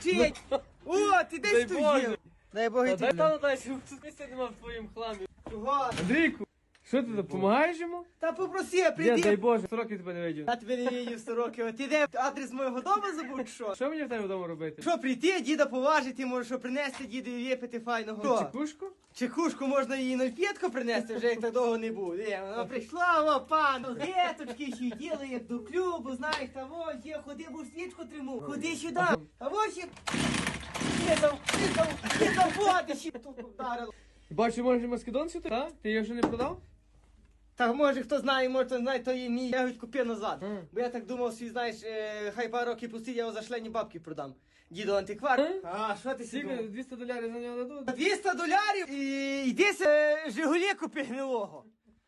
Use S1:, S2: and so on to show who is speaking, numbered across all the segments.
S1: вчить. О, ти десь тут є. Дай Бог і
S2: Дай
S1: ти.
S2: там дай, щоб тут місця нема в твоїм хламі.
S1: Чого?
S2: Андрійку, що ти допомагаєш йому?
S1: Та попроси,
S2: Ні, дай
S1: прийди.
S2: Боже, 100 років тебе не видів.
S1: Я тебе не видів 100 років. А ти де адрес моєго дому забув, чи що?
S2: Що мені в тебе вдома робити?
S1: Що прийти, діда поважити, може, що принести дідові випити файного. Що?
S2: Чекушку?
S1: Чекушку можна їй 0,5 принести, вже як так довго не був. Вона прийшла, о, пан, геточки ще діли, як до клубу, знаєш, та ось є, ходи, бо свічку триму. Ходи сюди. А ось ще... Ти води ще тут вдарило.
S2: Бачу, може маскидон сюди, так? Ти його ще не продав?
S1: Так може хто знає, може хто знає, то є мій. Я його купив назад. Бо я так думав, що знаєш, хай пару років пустить, я його за шлені бабки продам. Діду антиквар. А, що ти
S2: Скільки?
S1: сидів?
S2: $200 за нього дадуть?
S1: $200 і йди Жигулі купи гнилого.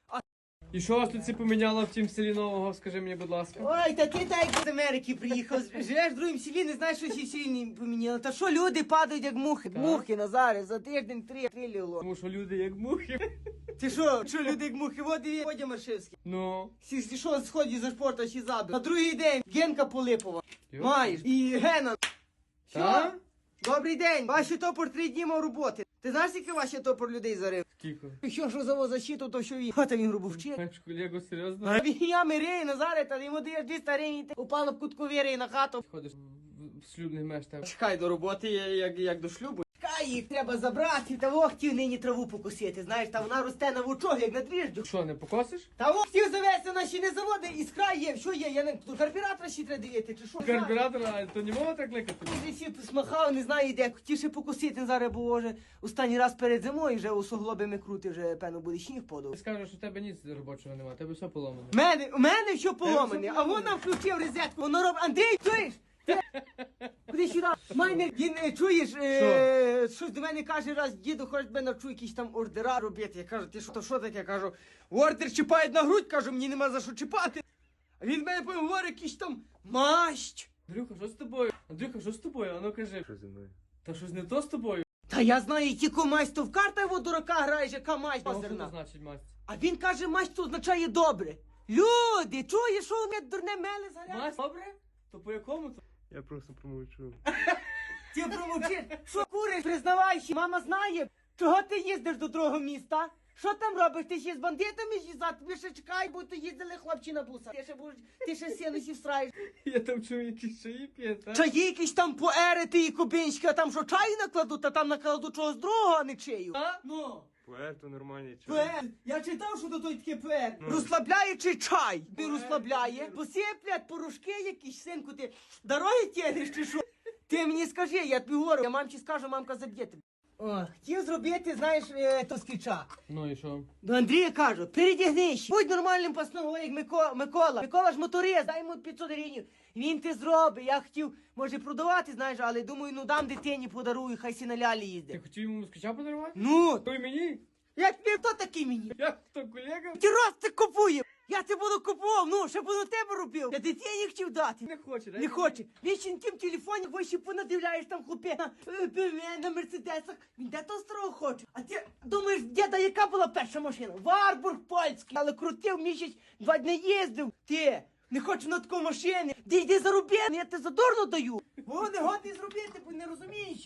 S2: І що вас тут всі поміняло в тім селі нового, скажи мені, будь ласка.
S1: Ой, та ти так з Америки приїхав, живеш в другому селі, не знаєш, що всі селі не поміняли. Та що люди падають як мухи?
S2: Так.
S1: Мухи, Назаре, за тиждень 3 ліло.
S2: Тому що люди як мухи.
S1: Ти що люди як мухи? От і Водя Маршевський.
S2: Ну.
S1: Всі що сходять за спорту, ще забив. На другий день Генка Полипова.
S2: Йо.
S1: Маєш. І Гена. Що?
S2: Та?
S1: Добрий день. Ваші топор 3 дні мав роботи. Ти знаєш, скільки ваші топор людей зарив?
S2: Кіко.
S1: Що за защиту, то що він. Хата він грубо вчить.
S2: Маєш колегу, серйозно?
S1: А він я мирей, Назаре, та йому даєш 200 гривень, ти упала в кутку віри на хату.
S2: Ходиш в шлюбний меш там.
S1: Чекай до роботи, як до шлюбу. Чекай, їх треба забрати, та во хотів нині траву покосити, знаєш, та вона росте на вучок, як на дріжджу.
S2: Що, не покосиш?
S1: Та во хотів завести, вона ще не заводи, іскра є, що є, я не, до карбюратора ще треба дивити, чи що?
S2: Карбюратора, а то не мова так кликати?
S1: Ти всі смахав, не знаю де, хотів ще покосити зараз, бо вже останній раз перед зимою, вже у суглобами крути, вже певно буде сніг подав.
S2: Ти скажеш, що в тебе ніц робочого немає, тебе все поломано.
S1: У мене що поломане, а вона включив розетку, воно робить, Андрій, чуєш? Куди сюди? Майне, він, чуєш, щось до мене каже раз, діду, хоч би навчу якісь там ордера робити. Я кажу, ти що таке? Я кажу, ордер чіпають на грудь, кажу, мені нема за що чіпати. А він мене потім говорить, якийсь там мащ.
S2: Андрюха, що з тобою? Андрюха, що з тобою? А ну кажи.
S3: Що зі мною?
S2: Та щось не то з тобою?
S1: Та я знаю, тільки масть, то в карта його дурака граєш, яка масть
S2: Що це
S1: озерна.
S2: значить масть?
S1: А він каже, масть то означає добре. Люди, чуєш, що вони дурне меле заряд?
S2: Масть? Добре? То по якому то?
S3: Я просто промовчу.
S1: Ти промовчиш, що куриш, признавайся, мама знає, чого ти їздиш до другого міста? Що там робиш? Ти ще з бандитами їздати? Тобі ще чекай, бо то їздили хлопці на бусах. Ти ще сінусі всраєш.
S2: Я там чую якісь чаї п'є, так?
S1: Чаї якісь там поерити і кубинські, а там що чаю накладуть, а там накладуть чогось другого, а не чию.
S2: А?
S1: Ну.
S3: Поет то нормальний чай.
S1: Поет. Я читав, що то той таке поет. Розслабляючий чай. Не розслабляє. Посиплять порошки якісь, синку, ти дороги тягнеш чи що? Ти мені скажи, я тобі говорю, я мамці скажу, мамка заб'є тебе. О, хотів зробити, знаєш, то скіча.
S2: Ну і що?
S1: До Андрія кажу, передягнись, будь нормальним пасном, як Микола. Микола ж моторист, дай йому 500 гривень. Він ти зробить. Я хотів, може, продавати, знаєш, але думаю, ну дам дитині, подарую, хай сі на лялі
S2: Ти
S1: їздить.
S2: хотів йому москвича подарувати?
S1: Ну,
S2: Той мені?
S1: як ти, хто такий мені?
S2: Як то колега?
S1: Ти раз ти купує. Я це буду купував, ну, ще буду тебе робив. Я дитині хотів дати.
S2: Не хоче,
S1: Не хоче. Він ще на тім телефоні, бо ще понадивляєш там хлопе на мерседесах. Він де того старого хоче. А ти думаєш, діда, яка була перша машина? Варбург польський. Але крутив місяць, 2 дні їздив. Ти не хочу на таку машину. Йди зароби, я тебе задорно даю. Бо не годний зробити, бо не розумієш.